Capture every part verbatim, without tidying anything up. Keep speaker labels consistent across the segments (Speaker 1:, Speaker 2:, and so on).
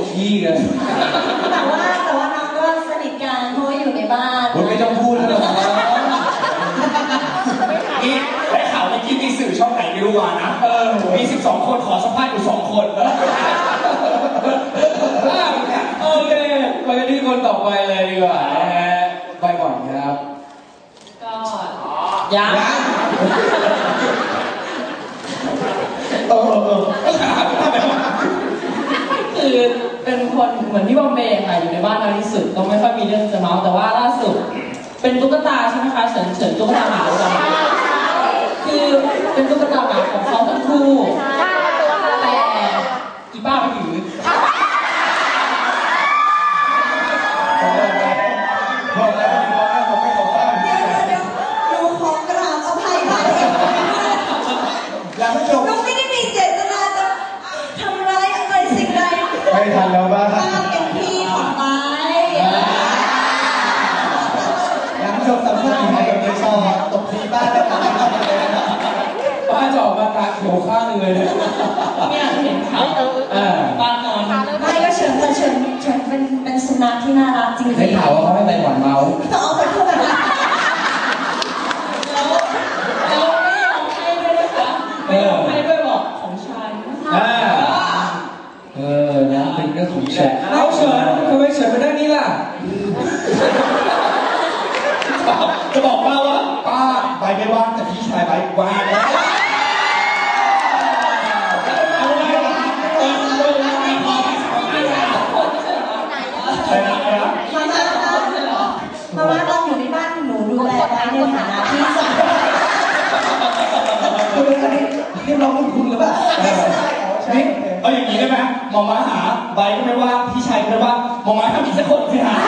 Speaker 1: ขี้กัน
Speaker 2: แต่ว่าแต่ว่าน้องก็สนิทกันเพราะว่าอยู่ในบ้าน
Speaker 1: ไม่ต้องพูดแล้วหรอก
Speaker 3: นี่ได้ข่าวเมื่อกี้มีสื่อช่องไหนไม่รู้มานะเออมีสิบสองคนขอสัมภาษณ์อยู่สองคน
Speaker 1: โอเคไปกันที่คนต่อไปเลยดีกว่านะฮะไปก่อนครับ
Speaker 2: ก็ยัง
Speaker 3: เออเออ
Speaker 2: คือเป็นคนเหมือนที่บอมเบย์ค่ะอยู่ในบ้านนานที่สุดก็ไม่ค่อยมีเรื่องจะเมาแต่ว่าล่าสุดเป็นตุ๊กตาใช่ไหมคะเฉินเฉินตุ๊กตาหมาเราคือเป็นตุ๊กตาหมาของเขาทั้งคู่แต่อีป้าไปถือ
Speaker 3: บอกแล้วบอกแล้วบอกไม่บอกว่า
Speaker 2: เดี๋ยวเดี๋ยวหนูขอกราบอภัยค่ะ
Speaker 3: ยังไม่จบ
Speaker 2: หนูไม่ได้มีเจตนาจะทำร้ายอะไรสิ่งใด
Speaker 3: ไม่ทันแล้วบ้าง
Speaker 2: ป้าเป็นพี่ของไม้
Speaker 3: ยังไม่จบสัมภาษณ์ให้กับเด็กชอบตบทีบ้านแล้วกัน
Speaker 1: ป้าจะออกมาตาเขียวข้างเลย
Speaker 2: เนี่ยเห็นเขาบ้านนอนไม่ก็เฉินแต่เฉินเฉินเป็นเป็นสุนัขที่น่ารักจริงๆ
Speaker 1: ได้ข่าวว่าเขาไม่ไปหวานเมาส์
Speaker 2: ต้องเอาไปพูดแบบนั้นแล้วแล้วไม่ยอมให้ด้วยนะคะไม่ยอมให้ด้วยบอกของฉัน
Speaker 1: เออนะเป็นเรื่องของเฉินเอาเฉินทำไมเฉินมาด้านนี้ล่ะ
Speaker 3: จะบอกป้าว่าป้าใบไม่ว่างแต่พี่ชายใบว่างแล้ว
Speaker 2: มาม่าต้องอยู่ในบ้านหนูดูแลไว้ในฐานะพี่สาว
Speaker 3: นี่เราไม่คุ้นหรือเปล่านี่เอาอย่างนี้ได้ไหมมองมาหาใบก็ไม่ว่าพี่ชายก็ไม่ว่ามองมาทำอีกสักคนสิฮะ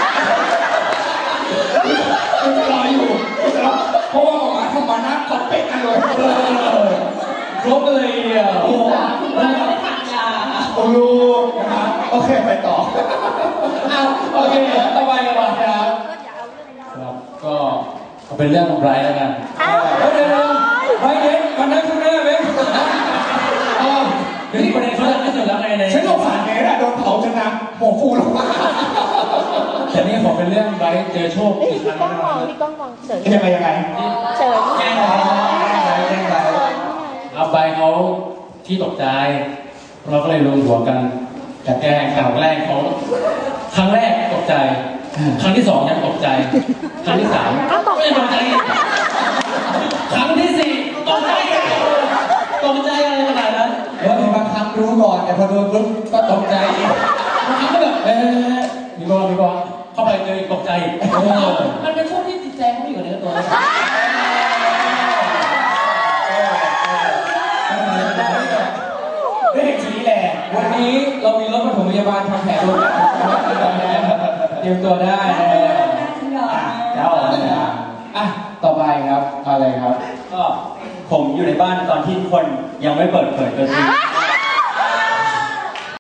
Speaker 3: จะรออยู่เพราะว่ามองมาทำมาหน้าคอนเป๊กกันเลย
Speaker 1: ครบเลยอ่ะ
Speaker 2: โอ้โหไม่ทานยา
Speaker 3: โอ้ลูกนะครับโอเคไปต่อ
Speaker 1: โอเคต่อไปกันบ้างครับครับก็เป็นเรื่องของไบรท์แล้วกันเดี๋ยวไบรท์เด็กมันนั่งข้างหน้าไหมเดี๋ยวประเด็นเขาจะไม่สุดแล้วไงเลย
Speaker 3: ฉันสงสารเนสอะโดนเผาจนน้ำหัวฟูลงมา
Speaker 1: แต่นี่ขอเป็นเรื่องไบรท์เจอโชคอีกครั้งนึง
Speaker 4: พี่ก้องมองเฉย
Speaker 3: ยังไงยังไง
Speaker 4: เฉย
Speaker 3: แกล้งไบรท์แกล้งไบรท์
Speaker 1: เอาไบรท์เขาที่ตกใจเราก็เลยรวมหัวกันจะแก้ข่าวแรกเขาครั้งแรกตกใจครั้งที่สองยังตกใจครั้งที่สามไม่ตกใจครั้งที่สี่ตกใจตกใจอะไรขนาดนั้น
Speaker 3: แล้วบางครั้งรู้ก่อนแต่พอโดนปุ๊บก็ตกใจ
Speaker 1: บางครั้งก็แบบเอ๊ะมีบอลมีบอลเข้าไปเจอตกใจ
Speaker 2: มันเป็นช่วงที่จิตใจเขาอยู่กับเนื้อตัว
Speaker 3: เรื่องชีวิตแหละ
Speaker 1: วันนี้เรามีรถปฐมพยาบาลทำแผลด้วยเตรียมตัวได้
Speaker 3: เจ้า
Speaker 1: อ่ะต่อไปครับอะไรครับ
Speaker 5: ก็ผมอยู่ในบ้านตอนที่ทุกคนยังไม่เปิดเผยตัวจริง